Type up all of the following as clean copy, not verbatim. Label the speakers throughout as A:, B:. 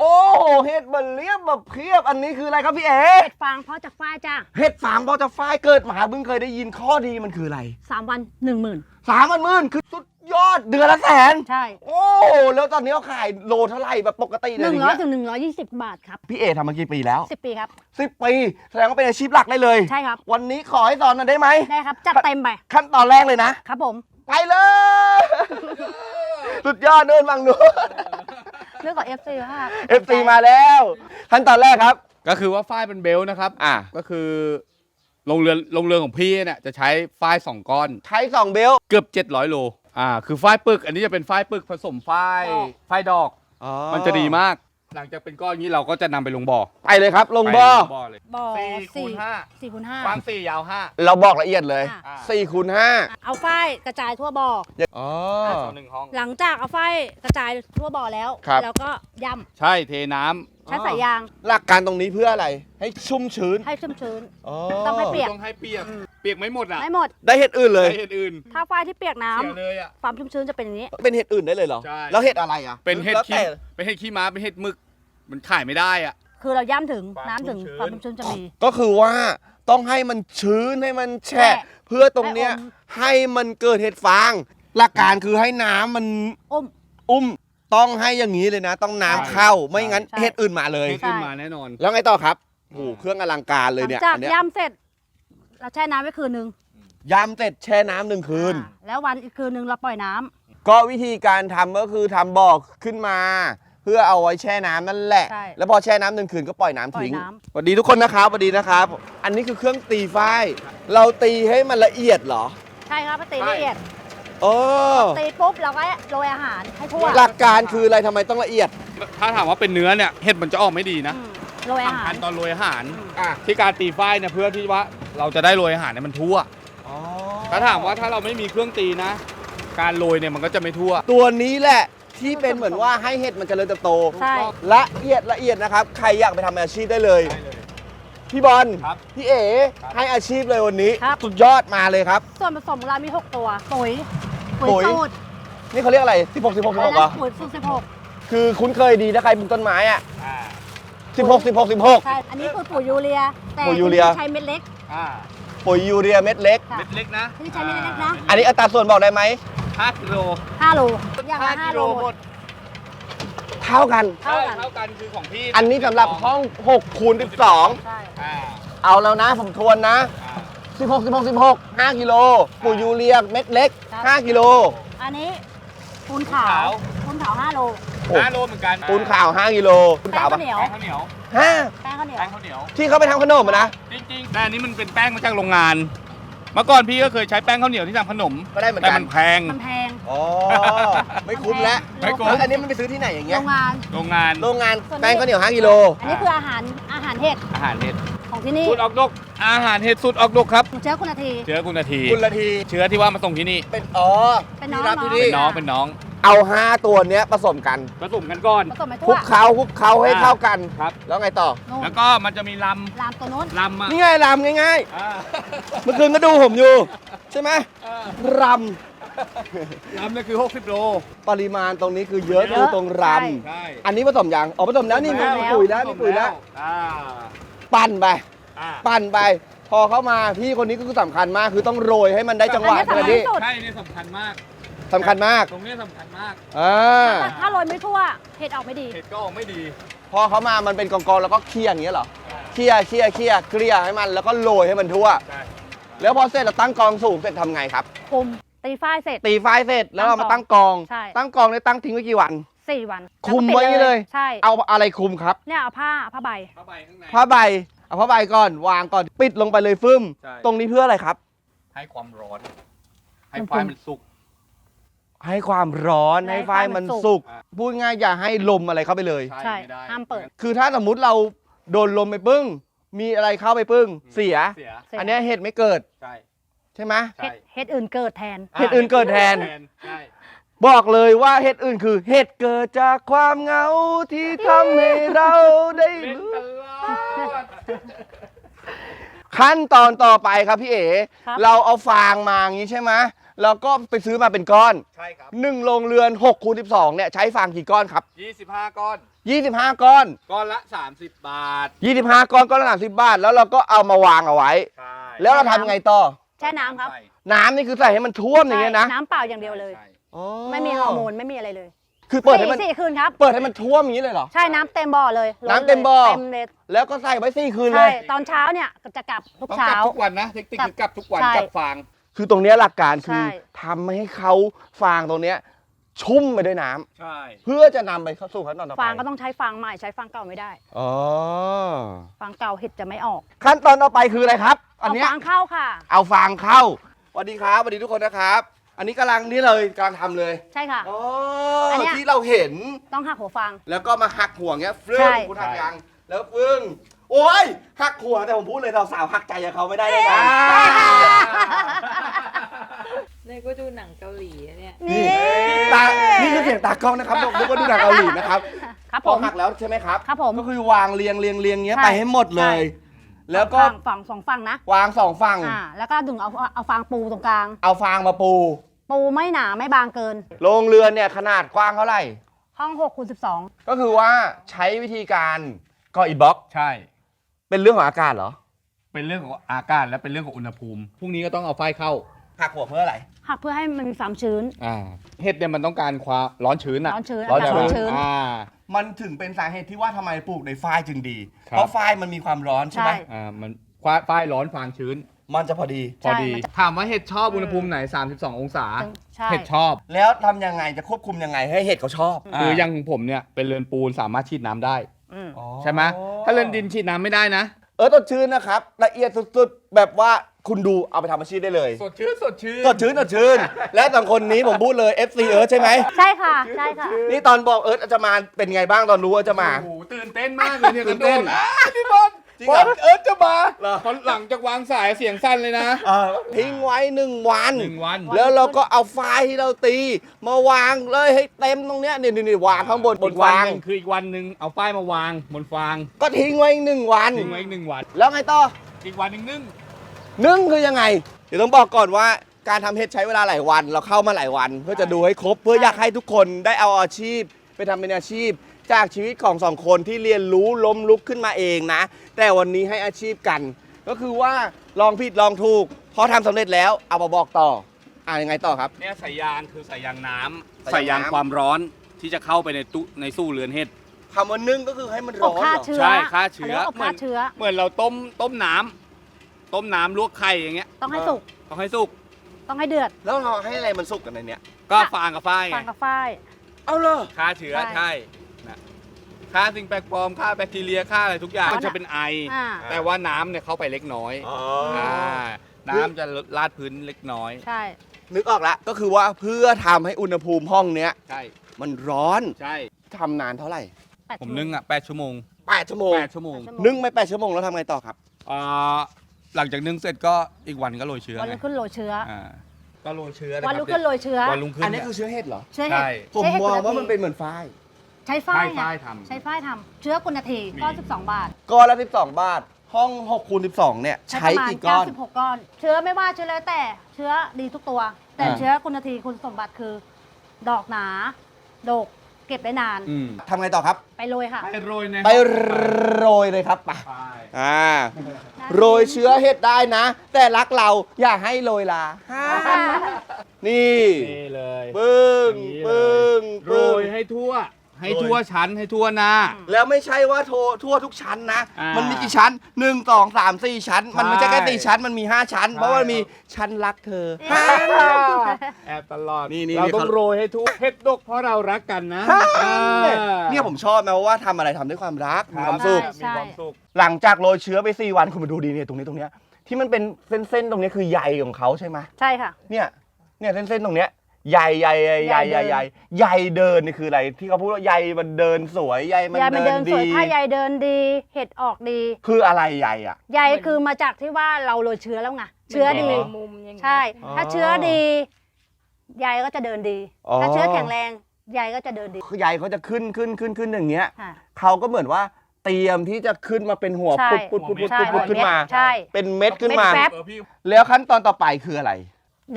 A: โอ้โหเห็ดมันเลียบแบบเพียบอันนี้คืออะไรครับพี่เอ๋
B: เห็ดฟางเพาะจากฝ้ายจ้า
A: เห็ดฟางพอจะฝ้ายเกิดมาเพิ่งเคยได้ยินข้อดีมันคืออะไร
B: 3 วัน 10,000
A: 30,000คือสุดยอดเดือนละแสน
B: ใช่
A: โอ้แล้วตอนนี้เขาขายโลเท่าไหร่แบบปกติเลย
B: 100 ถึง 120 บาทครับ
A: พี่เอ๋ทำมากี่ปีแล้ว
B: 10 ปีครับ
A: 10 ปีแสดงว่าเป็นอาชีพหลักได้เลย
B: ใช่ครับ
A: วันนี้ขอให้สอนหน่อยได้ไหม
B: ได้ครับ จัดเต็มไป
A: ขั้นตอนแรกเลยนะ
B: ครับผม
A: ไปเลย สุดยอดเดินฟังนู้น
B: เรื่องของ FC ครับ
A: FC มาแล้ว ขั้นตอนแรกครับ
C: ก็คือว่าฝ้ายเป็นเบลต์นะครับก็คือลงเรือของพี่เนี่ยจะใช้ฝ้าย2 ก้อน
A: ใช้2เบล
C: เกือบ700 โลคือฝ้ายปึกอันนี้จะเป็นฝ้ายปึกผสมฝ้ายดอกมันจะดีมาก หลังจากเป็นก้อนนี้เราก็จะนำไปลงบ่อ
A: ไปเลยครับ ลงบ่อ
C: เลย
B: บ่อ
C: 4 คูณ
B: 4
C: กว้าง
B: 5
C: 4 ยาว
A: เราบอกละเอียดเลย
B: อ่า
A: 4 คูณ
B: เอาฝ้ายกระจายทั่วบ่อ
A: 5อ๋อ
C: 5ต่อ1 ห้อง
B: หลังจากเอาฝ้ายกระจายทั่วบ่อแล้ว
A: ครับ
B: แล้วก็ย่
C: ใช่เทน้ำ
B: ำใช้สายยาง
A: หลักการตรงนี้เพื่ออะไร ให้ชุ่มชื้น
B: ให้ชุ่มชื้น
A: อ๋อ
B: ต้องให้เปียก
C: ต้องให้เปียกไม่หมดอ่ะ
B: ไม่หมด
A: ได้เห็ดอื่นเลย
C: ใช้เห็ดอื่น
B: ถ้าฝ้ายที่เปียกน้ำ
C: เสียเลยอ่ะ
B: ความชุ่มชื้นจะเป็นอย่างนี้
A: เป็นเห็ดอื่นได้เลยเหรอ
C: ใช่
A: แล้วเห็ดอะไรอ่ะ
C: เป็นเห็ด
A: แล้ว
C: ขี้
A: แต่
C: เป็นเห็ดขี้ม้าเป็นเห็ดหมึกมันขายไม่ได้อ่ะ
B: คือเราย่ำถึง
C: ความ
B: น้ำถึง
C: ชุ่มชื้น
B: ความชุ่มชื้นจะมี
A: ก็คือว่าต้องให้มันชื้นให้มันแฉะ
B: แฉะ
A: เพื่อตรงเนี้ย
B: ให้อม
A: ให้มันเกิดเห็ดฟาง หลักการคือให้น้ำมัน
B: อุ้ม
A: อุ้มต้องให้อย่างนี้เลยนะ ต้องน้ำเข้าไม่งั้น
B: ใช่
A: เห็ดอื่นมาเลย
C: เห็ดอื่นมาแน่นอน
A: แล้วไงต่อครับโอ้โหเครื่องอลังการ
B: ห
A: เลย
B: ลัง
A: เนี่ย
B: จาก
A: อันเนี้ย
B: ย่ำเสร็จ เราแช่น้ำไว้คืนนึง
A: ยำเสร็จแช่น้ำ1 คืน
B: แล้ววันอีกคืนนึงเราปล่อยน้ำ
A: ก็วิธีการทำก็คือทำบ่อขึ้นมา เพื่อเอาไว้แช่น้ำนั่นแหละ
B: ใช่
A: แล้วพอแช่น้ำ1 คืนก็ปล่อยน้ำทิ้ง
B: ปล่อยน้ำ
A: สวัสดีทุกคนนะครับสวัสดีนะครับ อันนี้คือเครื่องตีฝ้ายเราตีให้มันละเอียดเหรอ
B: ใช่ครับตีละเอียด
A: โอ้
B: ตีปุ๊บเราก็โรยอาหารให้ทั่ว
A: หลักการคืออะไรทำไมต้องละเอียด
C: ถ้าถามว่าเป็นเนื้อเนี่ยเห็ดมันจะออกไม่ดีนะ
B: อืมโรยอาหา
C: สำคั
B: ร
C: ญตอนโรยอาหาร
A: อ่ะ
C: ที่การตีฝ้ายเนี่ยเพื่อที่ว่าเราจะได้โรยอาหารเนี่ยมันทั่ว ถ้าถามว่าถ้าเราไม่มีเครื่องตีนะ การโรยเนี่ยมันก็จะไม่ทั่ว
A: ตัวนี้แหละที่เป็นเหมือนว่าให้เห็ดมันเจริญเติบโต
B: ใช่
A: ละเอียดนะครับ ใครอยากไปทำอาชีพได้เลย พี่บอล
C: ครับ
A: พี่เอ๋ให้อาชีพเลยวันนี้
B: ครับ
A: สุดยอดมาเลยครับ
B: ส่วนผสมของเรามี 6 ตัว ปุ๋ย
A: ปุ๋ย
B: สูตร
A: นี่เขาเรียกอะไร16 16 16เหรอ
B: ปุ๋ยสูตร
A: คือคุ้นเคยดีถ้าใครปลูกต้นไม้อ่ะ
C: อ่า
A: 16 16
B: 16
A: 16
B: ใช่ อันนี้คือปุ๋ยยูเรีย แต่
A: ปุ๋ยยูเรีย
B: ที่ใช้เม็ดเล็ก
C: อ่า
A: ปุ๋ยยูเรียเม็ดเล็ก
B: ค่ะ
C: เม็ดเล็กนะ
B: ที่ใช้เม็ดเล็กนะ
A: อันนี้อัตราส่วนบอกได้ไหไหม
C: 5 กิโล
B: 5 โลอย่างละ5 โล
C: หมด
A: เท่ากัน
B: เท่ากัน
C: เท่ากันคือของพี่
A: อันนี้สำหรับห้อง6คูณ
B: ใช่
C: อ่า
A: 12 เอาแล้วนะผมทวนนะ
C: อ่า
A: 16 16 16 5กิโลปุ๋ยยูเรียเม็ดเล็ก 5กิโล
B: อันนี้ปูนขาวปูนขาว 5 โล
A: โอ้
C: 5 โลเหมือนกัน
A: ปูนขาว 5กิโลปูน
B: แป้
A: ขาง ว
B: ข้า
A: ปะ
B: วเหนียว
C: แป้งข้าวเหนียว
A: ห้า
B: แป้งข้าวเหนียว
C: แป้งข้าวเหนียว
A: ที่เขาไปทำขนมอะนะ
C: จริงๆ แต่อันนี้มันเป็นแป้งมาจากโรงงาน เมื่อก่อนพี่ก็เคยใช้แป้งข้าวเหนียวที่ทำขนม
A: ก็ได้เหมือน
C: แต่
A: กัน
C: มันแพง
B: มันแพง
A: อ๋อ ไม่คุ้มแล้ว
C: ไม่คุ้ม
A: แล้วอันนี้มันไปซื้อที่ไหนอย่างเงี้
B: โร
A: ย
B: งงาน
C: โรงงาน
A: โรงงาน
B: ส่วนนี้
A: แป้งข้าวเหนียว5กิโล
B: อันนี้คืออาหารเห็ด
C: อาหารเห็ด
B: ของที่นี่
C: สูตรออกดก อาหารเห็ดสูตรออกดกครับ
B: เชื้อคุณนาที
C: เชื้อคุณนาที
A: คุณละที
C: เชื้อที่ว่ามาส่งที่นี่
A: เป็นอ๋อ
B: เป็นน้อง
A: ที่รับ
B: น้อง
A: ที่นี่
C: เป็นน้องเป็นน้อง
A: เอา 5 ตัวเนี้ยผสมกัน
C: ผสมกันก่อน
B: ผสมไป
A: คลุ
B: ทั่ว
A: กเคล้าให้เข้ากัน
C: ครับ
A: แล้วไงต่อ
B: นู่น
C: แล้วก็มันจะมีล
B: ลามตัวนู้น
C: ำลำอ่ะ
A: นี่ไงรำง่าย
C: อ่า
A: ๆ เมื่อคืนก็ดูผมอยู่ ใช่ไหมร
C: ลำนี่คือ60 โล
A: ำปริมาณตรงนี้คือเยอะ
B: เยอะ
A: คือตรงร
B: ใช่
C: ใช่
A: ำอันนี้ผสมยังอ๋อผสมแล้วนี่มี
B: ผสมแล้ว
A: ปุ๋ยแล้วมีปุ๋ยแล้ว
C: อ่า
A: ปั่นไป
C: อ่า
A: ปั่นไป พอเข้ามาพี่คนนี้ก็คือสำคัญมาก คือต้องโรยให้มันได้จังหวะ
B: อัน
A: ใช่ไหม
B: นี้
A: พี่
B: สำคัญที่สุด
C: ใช่นี่สำคัญมาก
A: สำคัญมาก
C: ตรงนี้สำคัญมาก
A: อ่า
B: ถ้าโรยไม่ทั่ว เห็ดออกไม่ดี
C: เห็ดก็ออกไม่ดี
A: พอเขามามันเป็นกองๆแล้วก็เคี่ยอย่างเงี้ยเหรอเคี่ยเกลี่ยให้มันแล้วก็โรยให้มันทั่ว
C: ใช่
A: แล้วพอเสร็จเราตั้งกองสูงเสร็จทำไงครับ
B: คุม ตีฝ้ายเสร็จ
A: ตีไฟเสร็จแล้วเรามาตั้งกอง
B: ใช่
A: ตั้งกองเนี่ยตั้งทิ้งไว้กี่วัน
B: 4 วัน
A: คุมไว้เลย
B: ใช่
A: เอาอะไรคุมครับ
B: เนี่ยเอาผ้าใบ
C: ผ้าใบข้างใน
A: ผ้าใบเอาผ้าใบก่อนวางก่อนปิดลงไปเลยฟึ่ม
C: ใช่
A: ตรงนี้เพื่ออะไรครับ
C: ให้ความร้อน ให้
B: มัน
C: ไฟมันสุก
A: ให้ความร้อนให้ไฟมันสุก
C: อ่ะ
A: พูดง่ายอย่าให้ลมอะไรเข้าไปเลย
B: ใช่
C: ไม่ได้
B: ห้ามเปิด
A: คือถ้าสมมุติเราโดนลมไปปึ้ง มีอะไรเข้าไปปึ้ง เสีย
C: เสีย
B: เสีย
A: อันเนี้ยเห็ดไม่เกิด
C: ใช่
A: ใช่ไหม
C: ใช่
B: เห็ดอื่นเกิดแทน
A: เห็ดอื่นเกิดแทน
C: ใช่
A: บอกเลยว่าเห็ดอื่นคือเห็ดเกิดจากความเหงาที่ทำให้เราได้
C: เล่น
A: รู้
C: ตลอด
A: ขั้นตอนต่อไปครับพี่เอ๋
B: ครับ
A: เราเอาฟางมาอย่างนี้ใช่ไหมแล้วก็ไปซื้อมาเป็นก้อน
C: ใช่ครับ
A: 1 โรงเรือน6 คูณ 12เนี่ยใช้ฟางกี่ก้อนครับ
C: 25 ก้อน
A: 25 ก้อน
C: ก้อนละ 30 บาท
A: 25 ก้อนก้อนละ30 บาท แล้วเราก็เอามาวางเอาไว้
C: ใช่
A: แล้วเราทำยังไงต่อ
B: แช่น้ำครับ
C: ใส่
A: น้ำนี่คือใส่ให้มันท่วมอย่างเงี้ยนะ
B: น้ำเปล่าอย่างเดียวเลย
C: ใช่
A: อ๋อ
B: ไม่มีฮอร์โมนไม่มีอะไรเลย
A: คือเปิดให้มัน
B: 4 คืนครับ
A: เปิดให้มันท่วมอย่างนี้เลยเหรอ
B: ใช่น้ำเต็มบ่อเลยล้
A: น้ำเต็มบ่อ
B: ลยเต็มเลย
A: แล้วก็ใส่ไว้4 คืนเล
B: ใช่
A: ย
B: ตอนเช้าเนี่ยก็จะกลับทุก
C: ต้อง
B: เช้า
C: กลับทุกวันนะ เทคนิคคือกลับทุกวัน
B: ใช่
C: กลับฟาง
A: คือตรงเนี้ยหลักการคือ
B: ใช่
A: ทำให้เขาฟางตรงเนี้ยชุ่มไปด้วยน้ำ
C: ใช่
A: เพื่อจะนำไปเข้าสู่ขั้นตอนต่อไป
B: ฟางก็ต้องใช้ฟางใหม่ใช้ฟางเก่าไม่ได้
A: อ๋อ
B: ฟางเก่าเห็ดจะไม่ออก
A: ขั้นตอนต่อไปคืออะไรครับ อัน
B: เอา
A: เนี้ย
B: ฟางเข้าค่ะ
A: เอาฟางเข้าสวัสดีครับสวัสดีทุกคนนะครับ อันนี้กำลังนี่เลยกำลังทำเลย
B: ใช่ค่ะ
A: อ๋อ
B: อันเนี้ย
A: ที่เราเห็น
B: ต้องหักหัวฟาง
A: แล้วก็มาหักหัวเงี้ยฟึ่
B: ใช่
A: งคุณหักยังแล้วฟึ่งโอ้ยหักหัวแต่ผมพูดเลยสาวๆหักใจกับเขาไม่ได้เลยนะ
D: เนี่ยก็ดูหนังเกาหลีอะเนี่ย
B: นี่
A: ตานี่คือเสียงตากล้องนะครับนึกว่าดูหนังเกาหลีนะครับ
B: ครับ
A: พ
B: ผ
A: อ
B: ม
A: หักแล้วใช่ไหมครับ
B: ครับผม
A: ก็คือวางเรียงเงี้ย
B: ใช่
A: ไปให้หมดเลย
B: ใช่
A: แล้วก็
B: ฝั่งสองฝั่งนะ
A: วาง2 ฝั่ง
B: แล้วก็ดึงเอาฟางปูตรงกลาง
A: เอาฟางมาปู
B: ปูไม่หนาไม่บางเกิน
A: โรงเรือนเนี่ยขนาดกว้างเท่าไหร่
B: ห้อง6 คูณ 12
A: ก็คือว่าใช้วิธีการก่ออิฐบล็อก
C: ใช่
A: เป็นเรื่องของอากาศเหรอ
C: เป็นเรื่องของอากาศและเป็นเรื่องของอุณหภูมิ พรุ่งนี้ก็ต้องเอาไฟเข้า
A: หักหัวเพื่ออะไร
B: หักเพื่อให้มันมีความชื้น
C: เห็ดเนี่ยมันต้องการความร้อนชื้นอะ
B: ร้อนชื้น
A: ร้อน
B: อากาศ
A: ชื้
B: ร้อน นชื้น
A: มันถึงเป็นสาเหตุที่ว่าทำไมปลูกในฝ้ายจึงดี
C: ครับ
A: เพราะฝ้ายมันมีความร้อนใช่ไหม
B: ใช่
C: มันไฟร้อนฟางชื้น
A: มันจะพอดี
C: พอดี
B: มันจะ
C: ถามว่าเห็ดชอบอุณหภูมิไหน 32 องศา
B: ใช่
C: เห็ดชอบ
A: แล้วทำยังไงจะควบคุมยังไงให้เห็ดเขาชอบ
C: คืออย่างผมเนี่ยเป็นเรือนปูนสามารถฉีดน้ำได้
B: อืม
A: อ๋อ
C: ใช่ไหมถ้าเรือนดินฉีดน้ำไม่ได้นะ
A: สดชื่นนะครับ ละเอียดสุดๆ แบบว่าคุณดูเอาไปทำอาชีพได้เลย
C: สดชื่นสดชื่น
A: สดชื่น และสองคนนี้ผมพูดเลย FC เอิร์ธใช่ไหม
B: ใช่ค่ะ ใช่ค่ะ
A: นี่ตอนบอกเอิร์ธจะมาเป็นไงบ้างตอนรู้ว่าจะมา
C: โอ้โหตื่นเต้นมากเลยเนี่ย
A: ตื่นเต้น
C: พี่บอล
A: จริงเหรอ
C: เอิร์ธจะมา
A: เหรอ
C: พอหลังจากวางสายเสียงสั้นเลยนะ
A: ทิ้งไว้1 วัน
C: 1 วัน
A: แล้วเราก็เอาไฟล์ที่เราตี มาวางเลยให้เต็มตรงเนี้ยนี่วางข้างบน
C: อีกวัน
A: ฟาง
C: หนึ่งคืออีกวันหนึ่งเอาป้ายมาวางบนฟาง
A: ก็ทิ้งไว้อีก1 วัน
C: ทิ้งไว้อีก1 วัน
A: แล้วไงต่อ
C: อีกวันหนึ่งนึ่ง
A: นึ่งคือยังไง เดี๋ยวต้องบอกก่อนว่าการทำเห็ดใช้เวลาหลายวัน เราเข้ามาหลายวัน เพื่อจะดูให้ครบ เพื่ออยากให้ทุกคนได้เอาอาชีพ ไปทำเป็นอาชีพ จากชีวิตของ2 คนที่เรียนรู้ล้มลุกขึ้นมาเองนะ แต่วันนี้ให้อาชีพกัน ก็คือว่าลองผิดลองถูกพอทำสำเร็จแล้วเอามาบอกต่อยังไงต่อครับ
C: เนี่ยสายยางคือสายยางน้ำ
A: สายยางน้ำ
C: ความร้อนที่จะเข้าไปในสู้เรือนเห็ด
A: คำว่านึ่งก็คือให้มัน
B: อ
A: ร้
B: บ
A: อน
B: ฆ่า
A: เหรอ
B: เชื้อ
C: ใช่ฆ่าเชื้อ
B: อบฆ่าเชื้อ
C: เหมือนเราต้มน้ำลวกไข่อย่างเงี้ย
B: ต้องให้สุก
C: ต้องให้สุก
B: ต้องให้เดือด
A: แล้วเราให้อะไรมันสุกกันในเนี้ย
C: ก็ฟางกับฝ้าย
B: ฟางกับฝ้าย
A: เอาเลย
C: ฆ่าเชื้อ
B: ใช่
C: ใช่นะฆ่าสิ่งแปลกปลอมฆ่าแบคทีเรียฆ่าอะไรทุกอย่าง
B: อ๋อ
C: มันจะเป็นไอ
B: อ่า
C: แต่ว่าน้ำเนี่ยเข้าไปเล็กน้อย น้ำจะลาดพื้นเล็กน้อย
B: ใช่
A: นึกออกละก็คือว่าเพื่อทำให้อุณหภูมิห้องเนี้ย
C: ใช่
A: มันร้อน
C: ใช่
A: ทำนานเท่าไหร่
C: ผมนึ่งอ่ะ8 ชั่วโมง
A: 8 ชั่วโมง
C: 8 ชั่วโมง
A: นึ่งไป8 ชั่วโมงแล้วทำไงต่อครับ
C: อ่าหลังจากนึ่งเสร็จก็อีกวันก็โรยเชื้อ
B: วัน
C: ไง
B: รุ่งขึ้นโรยเชื้อ
C: ก็โรยเชื้อ
B: วันรุ่งขึ้นโรยเชื้อ
C: วันรุ่งขึ้น
A: อันนี้คือเชื้อเห็ดเหรอ
B: เชื้อเห็ด
C: ใช่
A: ผมมองว่ามันเป็นเหมือนฝ้าย
B: ใช้ฝ้าย
C: ฝ้าย
B: ไง
C: ทำ
B: ใช้ฝ้ายทำเชื้อกุณทีก้อน12 บาท
A: ก้อนละ12 บาท ห้อง6 คูณ 12 เนี่ย ใช้
B: ประมาณ
A: กี่ก้อน
B: 96 ก้อน เชื้อไม่ว่าเชื้อแล้วแต่เชื้อดีทุกตัว แต่
A: อ่า
B: เชื้อคุณทีคุณสมบัติคือ ดอกหนาดกเก็บได้นาน
A: ทำไงต่อครับ
B: ไปโรยค่ะ
C: ไปโรยใน
A: ไปโรยเลยครับไป
C: ฝ้าย
A: โรยเชื้อเห็ดได้นะ แต่รักเราอย่าให้โรยลานี่
C: นี่เลย
A: ปึ้ง
C: อย่างนี้เลย
A: ปึ้ง
C: โรยให้ทั่ว ให้ทั่วชั้นให้ทั่วหน้า
A: แล้วไม่ใช่ว่าทั่วทุกชั้นนะ
C: อ่ามั
A: มันมีกี่ชั้น 1 2 3 4 ชั้น มันไม่ใช่แค่
C: ใช่
A: 4 ชั้น มันมี 5 ชั้น
C: ใช่
A: เพราะว่ามันมีชั้นรักเธอ
C: แอบตลอด
A: นี่
C: เราต้อ
A: เขา
C: งโรยให้ทั่วเห็ดดกเพราะเรารักกันนะ
A: เนี่ยผมชอบนะว่าทำอะไรทำด้วยความรักมีความสุข
B: ใช่
C: มีความสุข
A: หลังจากโรยเชื้อไป 4 วันคุณมาดูดีเนี่ยตรงนี้ที่มันเป็นเส้นๆตรงนี้คือใยของเขาใช่ไหม
B: ใช่ค่ะ
A: เนี่ยเส้นๆตรงเนี้ยใยเดินนี่คืออะไรที่เขาพูดว่าใยมันเดินสวยใยมัน
B: ใยมัน
A: เดิ
B: เดิ
A: น
B: นส
A: ดี
B: วยถ้าใยเดินดี เห็ดออกดี
A: คืออะไรใยอ่ะ
B: ใยคือมาจากที่ว่าเราโรยเชื้อแล้วไงเชื้อดี
D: มุมอย่างเงี้ย
B: ใช่ ถ้าเชื้อดีใยก็จะเดินดี
A: อ๋อ
B: ถ้าเชื้อแข็งแรงใยก็จะเดินดี
A: คือใยเขาจะขึ้นอย่างเงี้ย
B: ค่ะ
A: เขาก็เหมือนว่าเตรียมที่จะขึ้นมาเป็นหัว
B: ใช่
A: ปุด
B: ใช่
A: ขึ้นมา
B: ใช่
A: เป็นเม็ดขึ้นมา
B: เม็ดแฟบ
A: แล้วขั้นตอนต่อไปคืออะไร
B: เดี๋ยวเรา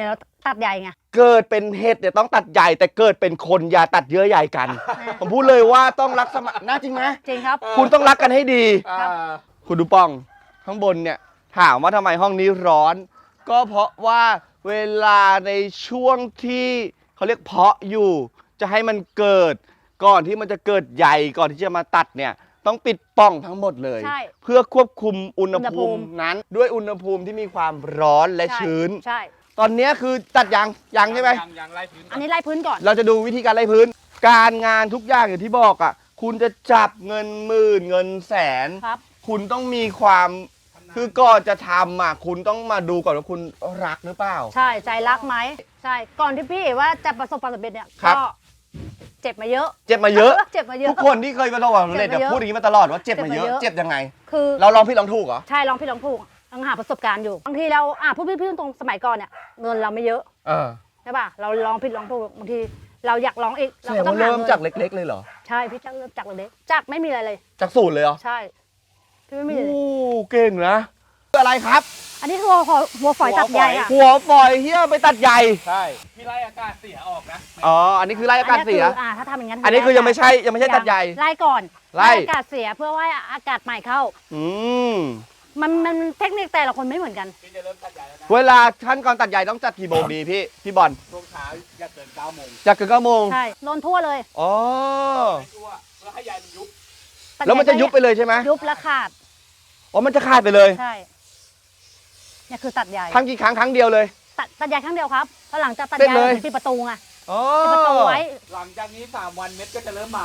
B: ตัดใหญ่ไง
A: เกิดเป็นเห็ดเนี่ยต้องตัดใหญ่แต่เกิดเป็นคนอย่าตัดเยอะใหญ่กัน ผมพูดเลยว่าต้องรักสมัครน่าจริงไหม
B: จริงครับ
A: คุณต้องรักกันให้ดี
B: ครับ
A: คุณดูป้องข้างบนเนี่ยถามว่าทำไมห้องนี้ร้อน ก็เพราะว่าเวลาในช่วงที่เขาเรียกเพาะอยู่ จะให้มันเกิดก่อนที่มันจะเกิดใหญ่ก่อนที่จะมาตัดเนี่ยต้องปิดปล่องทั้งหมดเลย
B: ใช่
A: เพื่อควบคุมอุณห
B: อุณหภู
A: ภู
B: มิ
A: มินั้นด้วยอุณหภูมิที่มีความร้อนและ
B: ใช่
A: ชื้น
B: ใช่
A: ตอนนี้คือตัดยังใช่ไหม
C: ยังไล่พื้นก่
B: อันนี้ไล่พื้นก่อน
A: เราจะดูวิธีการไล่พื้น การงานทุกอย่างอย่างที่บอกอ่ะคุณจะจับเงินหมื่นเงินแสน
B: ครับ
A: คุณต้องมีความคือก่อนจะทำอ่ะคุณต้องมาดูก่อนว่าคุณรักหรือเปล่า
B: ใช่ใจรักไหมใช่ก่อนที่พี่ว่าจะประสบความสำเร็จเนี่ย
A: ครับ
B: ก็เจ็บมาเยอะ
A: เจ็บมาเยอะ
B: เจ็บมาเยอะ
A: ทุกคนที่เคยประสบความสำเร็จ
B: เจ็บมาเยอะ
A: พูดอย่างนี้มาตลอดว่าเจ็บมาเยอะ
B: เจ็บมาเยอะ
A: เจ็บยังไง
B: คือ
A: เราลองผิดลองถูกเหรอ
B: ใช่ลองผิดลองถูกต้องหาประสบการณ์อยู่บางทีเราพูดพี่ๆตรงสมัยก่อนเนี่ยเงินเราไม่เยอะ
A: เออ
B: ใช่ป่ะเราลองผิดลองถูกบางทีเราอยากลองอีก
A: แส
B: เรา
A: ด
B: ก็
A: ง
B: ต้อง
A: ว่า
B: หา
A: เริ่ม
B: เงิน
A: จากเล็ก ๆ เลยเหรอ
B: ใช่พี่เริ่มจากเล็กๆจากไม่มีอะไรเลย
A: จากศูนย์เลยเหรอ
B: ใช่พี่ไม่มีเลย
A: โอ้เก่งนะคืออะไรครับ
B: อันนี้คือหัวฝอยตัดใหญ่อะ
A: หัวฝอยเฮียไปตัดใหญ่
C: ใช่พี่ไล่อากาศเสียออกนะ
A: อ๋ออันนี้คือไล่อากาศเสีย
B: อันนี้คือถ้าทำอย่างนั้น
A: อันนี้คือยังไม่ใช่ตัดใหญ่
B: ไล่ก่อน
A: ไล่
B: อากาศเสียเพื่อว่าอากาศใหม่เข้า
A: อืม
B: มันเทคนิคแต่ละคนไม่เหมือนกัน
C: พี่จะเริ่มตัดใหญ่แล้วนะ
A: เวลาขั้นก่อนตัดใหญ่ต้องจัดกี่โมงดีพี่บอล
C: ช่วงเช้าอย่าเกิน9 โมง
A: จัดเกิน9 โมง
B: ใช่โดนทั่วเลย
A: อ๋อ
C: ให้ทั่วเพื่อให้ใยมันยุบ
B: ตัด
A: แล้วมันจะยุบไปเลยใช่ไหม
B: ยุบและขาด
A: อ๋อมันจะขาดไปเลย
B: ใช่เนี่ยคือตัดใหญ่
A: ทำกี่ครั้งครั้งเดียวเลย
B: ตัดใหญ่ครั้งเดียวครับแล้วหลังจากตัด
A: เสร็จ
B: ใหญ่
A: เลย
B: ถึงปิดประตูไง
A: อ๋อ
B: ปิดประตูไว้
C: หลังจากนี้3 วันเม็ดก็จะเริ่มมา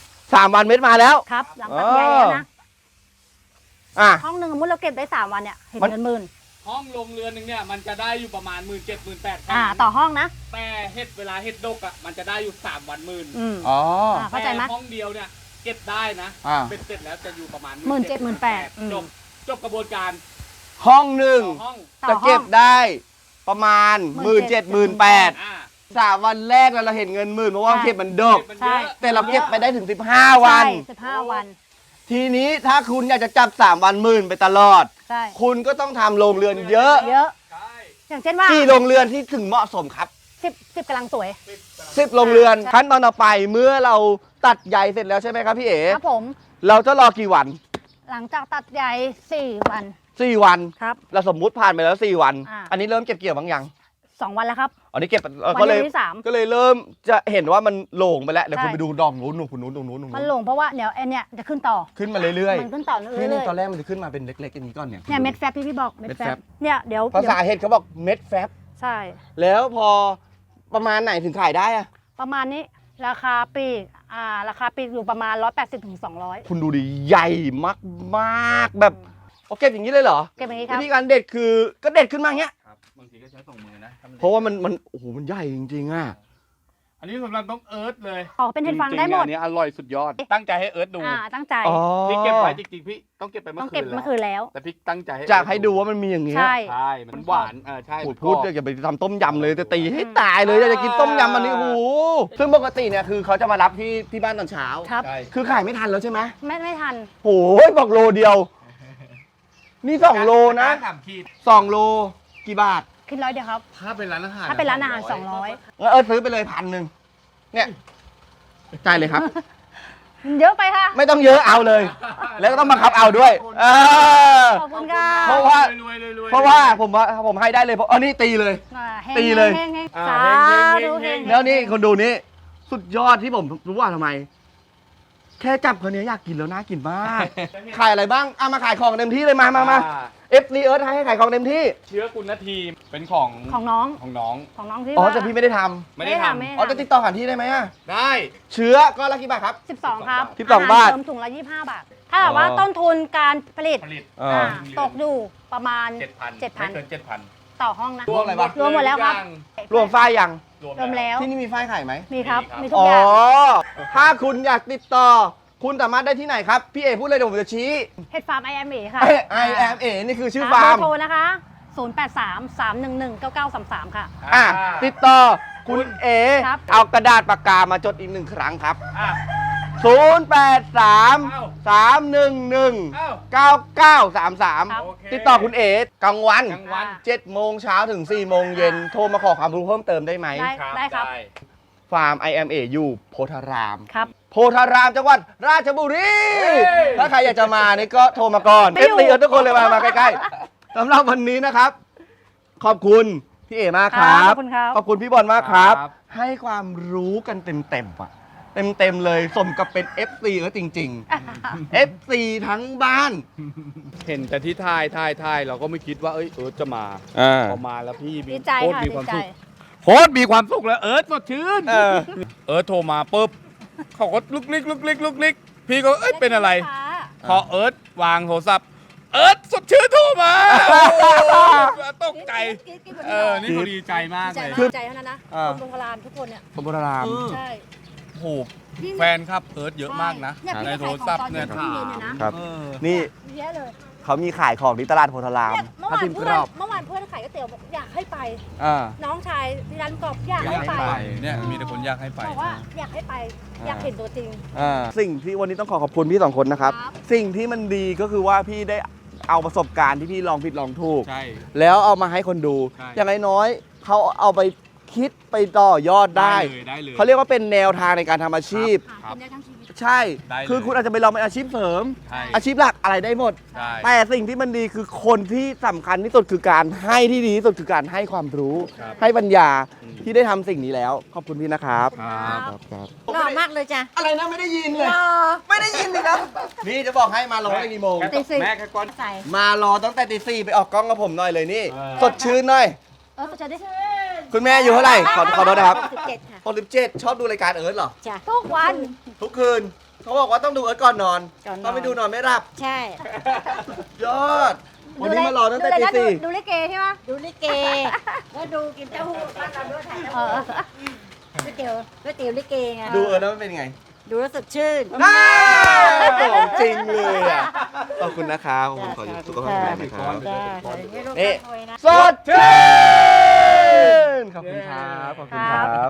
A: 3 วันเม็ดมาแล้ว
B: ครับ หลังตัดใหญ่แล้วนะ
A: อ่ะ
B: ห้องหนึ่งสมมติเราเก็บได้3 วันเนี่ยเห็น
A: มัน
B: เงินหมื่น
C: ห้องลงเรือนหนึงเนี่ยมันจะได้อยู่ประมาณ 17,000 18,000
B: ต่อห้องนะ
C: แต่เห็ดเวลาเห็ดดกอ่ะมันจะได้อยู่3 วันหมื่น
B: อืม
A: อ๋อ
B: เข้าใจไหม
C: แต่ห้องเดียวเนี่ยเก็บได้นะ
A: อ่า
C: เป็นเสร็จแล้วจะอยู่ประมาณ
B: 17,000 18,000
C: จบจบกระบวนการ
A: ห้องหนึ่ง
C: ต่อห้อง
B: ต่อ
A: จะ
B: ห้
A: เก็
B: อง
A: บได้ประมาณ
B: 17,000
A: 17,000
C: อ่า
A: 3 วันแรกเราเห็นเงินหมื่นเพราะว่า
B: ใช่
A: เก็บมันดก
C: เก็บมัน
B: ใช่
C: เยอะ
A: แต่เราเก็บไปได้ถึง15 วัน
B: ใช่15 วัน
A: ทีนี้ถ้าคุณอยากจะจับ3 วันหมื่นไปตลอด
B: ใช่
A: คุณก็ต้องทำโรงเรือนเยอะ
B: เยอะ
C: ใช่
B: อย่างเช่นว่า
A: กี่โรงเรือนที่ถึงเหมาะสมครับ
B: 10กำลังสวย
A: 10 โรงเรือน
B: ใช่
A: ขั้นตอนต่อไปเมื่อเราตัดใยเสร็จแล้วใช่ไหมครับพี่เอ๋
B: ครับผม
A: เราจะรอกี่วัน
B: หลังจากตัดใหญ่4 วัน
A: 4 วัน
B: ครับ
A: เราสมมุติผ่านไปแล้ว4 วัน
B: อ่า
A: อันนี้เริ่มเก็บเกี่ยวบ้างยัง
B: 2 วันแล้วครับ
A: อันนี้เก็บ
B: วัน
A: ก็เลย
B: ที่3
A: ก็เลยเริ่มจะเห็นว่ามันโหลงไปแล้วเดี๋ยว
B: ใช่
A: คุณไปดูดอกนู้นคุณนู้นตรงนู้นตรง
B: มัน
A: นู้น
B: หลงเพราะว่าเดี๋ยวไอเนี่ยจะขึ้นต่อ
A: ขึ้นมาเรื่อย
B: มันขึ้นต่อ
A: ๆ
B: เรื่
A: นี่
B: อย
A: ตอนแรกมันจะขึ้นมาเป็นเล็กๆอย่างนี้ก่อนเนี่ย
B: ๆเนี่ยเม็ดแฟบที่พี่บอกเม็ด
A: เม็ด
B: แฟ
A: แฟ
B: บบ เนี่ยเดี๋ยว
A: ภาษาเห็ดเขาบอกเม็ดแฟบ
B: ใช่
A: แล้วพอประมาณไหนถึงขายได้อะ
B: ประมาณนี้ราคาปลีกราคาปลีกอยู่ประมาณ180 ถึง 200
A: คุณดูดิใหญ่มากๆแบบเอาเก็บอย่างนี้เลยเหรอ
B: เก็บอย่างนี้ครั
A: วิ
B: บ
A: ธีการเด็ดคือก็เด็ดขึ้นมาอย่างเงี้ย
C: ครับบางทีก็ใช้2 มือนะถ้มัน
A: เพราะว่ามันโอ้โหมันใหญ่จริงๆอ่ะ
C: อันนี้สำหรับน้องเอิร์ธเลย
B: ขอเป็นเห็ดฟางได้หมด
C: จริงๆอันนี้อร่อยสุดยอด ตั้งใจให้เอิร์ธดู
B: ตั้งใจ
A: อ๋อ
C: พี่เก็บไว้จริงๆพี่ต้องเก็บไปเมื่
B: ต้อ
C: อง คื
B: เก็บ
C: น
B: เมื่อคืนแล้ว
C: แต่พี่ตั้งใจให้
A: จากให้ดูว่ามันมีอย่างเงี้ย
B: ใช่
C: ใช่มันหวานใช่
A: โอ้
C: มัน
A: พูด
C: กรอบ
A: อย่าไปทำต้มยำเลยจะตีให้ตายเลยอยากจะกินต้มยำอันนี้โอ้โหซึ่งปกติเนี่ยคือเขาจะมารับที่บ้านตอนเช้า
B: ครับ
C: ใช่
A: คือขายไม่ทันแล้วใช่ไหม
B: ไม่ทัน
A: โอ้ยบอกโลเดียว นี่2 โลนะ
C: 3 ขีด
A: 2 โลกี่บาท
B: คิด100เดียวครับ
C: ถ้าเป็นร้านอาหาร
B: ถ้าเป็นร้านอาหาร 200
A: งั้นซื้อไปเลย1,000เนี่ยจ่ายเลยครับ
B: เยอะไปค่ะ
A: ไม่ต้องเยอะเอาเลย แล้วก็ต้องบังคับเอาด้วยเออ
B: ขอบคุณค่ะ
A: เพราะว่า
C: รวยๆๆๆ
A: เพราะว่าผมให้ได้เลยเพราะนี่ตีเลย
B: ฮง
A: ตีเลย
B: ฮงฮง
C: อ่า
B: สา
C: เฮงๆๆๆ
B: ธุเฮง
A: แล้วนี่คนดูนี่สุดยอดที่ผมรู้ว่าทำไม แค่จับคนนี้อยากกินแล้วน่ากินมาก ขายอะไรบ้างมาขายของเต็มที่เลยมา
C: อ่า
A: FC เอิร์ธให้ขายของเต็มที่
C: เชื้อกุณทีเป็นของ
B: ของน้อง
C: ของน้อง
B: ของน้องที่
A: อ๋อ
B: ว่า
A: แต่พี่ไม่ได้ท
C: ไม่ได้ท
B: ไม่
A: ำอ๋อจะติดต่อผ่านที่ได้ไหมอะ
C: ำได้
A: เชื้อก็ละกี่บาทครับ
B: 12 ครับ
A: 12
B: อาหร
A: บาท
B: เสริมถุงละ25 บาท ถ้าแบบว่าต้นทุนการผลิต
C: ผลิต
A: อ่า
B: ตกอยู่ประมาณ
C: 7,000
B: 7,000
C: ไม่เกิน 7,000
B: ต่อห้องนะ
A: รวมอะไรบ้าง
B: รวมหมดแล้วครับ
A: รวมฝ้ายยัง
C: รวม
B: รวมแล้ว
A: ที่นี่มีฝ้ายขายไหม
B: มีครับ
C: มี
B: มี
C: ครับ
B: ทุก
A: อ๋อ
B: อย่าง
A: ถ้าคุณอยากติดต่อ คุณสามารถได้ที่ไหนครับ พี่เอพูดเลยเดี๋ยวผมจะชี้
B: เห็ดฟาร์ม IMA ค่ะ
A: I am A นี่คือชื่อ
B: เบ
A: ฟา
B: อ
A: ร์ม
B: ร์โทรนะคะ 0833119933 ค่ะ
A: อ่ะติดต่อคุณเอ
B: ครับ
A: เอากระดาษปากกามาจดอีก1 ครั้งครับ
C: อ่ะ
A: ติดต่อคุณเอ๋กลางวัน
C: กลางวัน
A: 7 โมงเช้าถึง 4 โมงเย็นโทรมาขอความรู้เพิ่มเติมได้ไหม
B: ได้ครับ
A: ฟาร์ม IMA อยู่โพธาราม
B: ครับ
A: โพธารามจังหวัดราชบุรี ถ้าใครอยากจะมานี่ก็โทรมาก่อน
B: ไม่อยู่
A: FT ทุกคนเลยมาใกล้ๆสำหรับวันนี้นะครับ ขอบคุณพี่เอมากครับ
B: ขอบคุณครับ
A: ขอบคุณพี่บอลมากครับ
C: ครับ
A: ให้ความรู้กันเต็มๆอ่ะเต็มๆเลยสมกับเป็น FC จริงๆ FC ทั้งบ้าน
C: เห็นแต่ที่ท่ายเราก็ไม่คิดว่าเอิร์ธจะมาพอมาแล้วพี่
B: ดีใจ
C: โคตร
B: ค่ะ
C: มี
B: ดี
C: ความ
B: ใจ
C: สุขโคตรมีความสุขแล้วเอิร์ธสดชื่น
A: เออ
C: เอิร์ธโทรมาปุ๊บเขาก็ลุกลิกพี่ก็เอ้ยเป็นอะไร พอเอิร์ธวางโทรศัพท์เอิร์ธสดชื่นโทรมาตกใจนี่เขาดีใจมากเลย
B: ดีใจเท่านั้นนะ
A: อ่า
B: คนโบราณทุกคนเนี่ย
A: โพธาราม
B: ใช่
C: โอ้โหแฟนครับเอิร์ธเยอะมากนะ
B: เนี่ยพี่
C: ใน
B: ก็
C: โท
B: ขาย
C: ร
B: ของ
C: ศัพท์เนี่ย
B: ตอนเย็นเนี่ยนะ
A: ครับ
C: เออ
A: นี่
B: เยอะเลย
A: เขามีขายของที่ตลาดโพธาราม
B: เนี่ยเมื่อ
A: ถ้าว
B: าน
A: ทิมก
B: เพื่
A: ร
B: อน
A: อบ
B: เมื่อวานเพื่อนขายก๋วยเตี๋ยวบอกอยากให้ไป
A: อ่า
B: น้องชายที่ร้านกรอบอยาก
C: อยา
B: ให้
C: ก
B: ไป
C: ให้ไปเนี่ยมีแต่คนอยากให้ไป
B: บอกว่าอยากให้ไปอยากเห็นตัวจริง
A: สิ่งที่วันนี้ต้องขอขอบคุณพี่สองคนนะครับ
B: ครับ
A: สิ่งที่มันดีก็คือว่าพี่ได้เอาประสบการณ์ที่พี่ลองผิดลองถูก
C: ใช่
A: แล้วเอามาให้คนดู
C: ใช่
A: อย่างน้อยๆเขาเอาไปคิดไปต่อยอดได้
C: ได้เลย
A: เขาเรียกว่าเป็นแนวทางในการทำอาชีพ
B: หากินได้ทั้งชีวิต
A: ใช่
C: ได้เลย
A: คือคุณอาจจะไปลองเป็นอาชีพเสริม
C: ใช่
A: อาชีพหลักอะไรได้หมด
C: ใช่
A: แต่สิ่งที่มันดีคือคนที่สำคัญที่สุดคือการให้ที่ดีที่สุดคือการให้ความรู้
C: ครับ
A: ให้ปัญญาที่ได้ทำสิ่งนี้แล้ว ขอบคุณพี่นะครับ
C: ครับ
A: ครับ
B: หล่อมากเลยจ้ะ
A: อะไรนะไม่ได้ยินเลย
B: หล่อ
A: ไม่ได้ยินเลยนะนี่จะบอกให้มารอตั้งกี่โมง
B: ตีสี่
C: แม่แค่ก้อน
B: ใส่
A: มารอตั้งแต่ตีสี่ไปออกกล้องกับผมหน่อยเลยนี่
C: เออ
A: สดชื่นหน่อย
B: จะได้
A: คุณแม่อยู่เท่าไหร่ขอโทษนะครับ
B: 17ค่ะ
A: 67ชอบดูรายการเอิร์ธเหรอ
B: จ้ะทุกวัน
A: ทุกคืนเขาบอกว่าต้องดูเอิร์ธก่อนนอน
B: ก่อนนอน
A: ถ้าไม่ดูนอนไม่หลับ
B: ใช่
A: ยอด วันนี้มารอตั้งแต่ตีสี่
B: ดูลิเกใช่ไหมดูลิเกแล้วดูกินเต้าหู้บ้านเราด้วยถ่ายก๋วยเตี๋ยวลิเกไง
A: ดูเอิร์ธแล้วมันเป็นยังไง
B: ดูแล้วสดชื่น
A: ของจริงเลยอ่ะขอบคุณนะครับขอบคุณขอสุขภาพแข็งแรงนะครับ
B: จ้าขอให้ลูก
A: นี่
B: รวยนะ
A: สดชื่นขอบคุณครับ ขอบคุณครับ